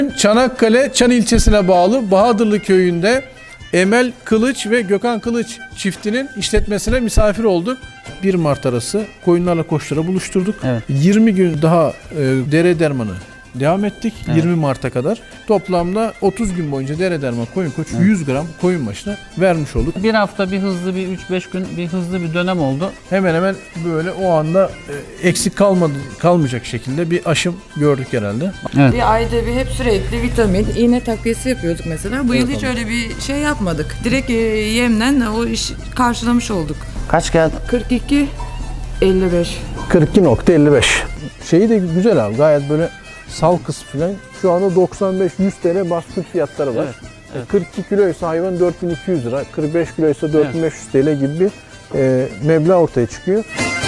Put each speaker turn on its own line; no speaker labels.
Çanakkale, Çan ilçesine bağlı Bahadırlı köyünde Emel Kılıç ve Gökhan Kılıç çiftinin işletmesine misafir olduk. 1 Mart arası koyunlarla koçları buluşturduk.
Evet.
20 gün daha dere dermanı devam ettik.
Evet.
20 Mart'a kadar. Toplamda 30 gün boyunca dere derman koyun koç 100 gram koyun başına vermiş olduk.
Bir hafta bir hızlı bir 3-5 gün bir hızlı bir dönem oldu.
Hemen hemen böyle o anda eksik kalmayacak şekilde bir aşım gördük herhalde.
Evet.
Bir ayda bir hep sürekli vitamin, iğne takviyesi yapıyorduk mesela. Bu yıl hiç öyle bir şey yapmadık. Direkt yemden o iş karşılamış olduk.
Kaç geldi?
42, 55.
42.55. Şeyi de güzel abi, gayet böyle sal kısmı falan. Şu anda 95-100 TL baskı fiyatları var.
Evet, evet.
42 kiloysa hayvan 4200 lira, 45 kiloysa 4500 TL gibi bir meblağ ortaya çıkıyor.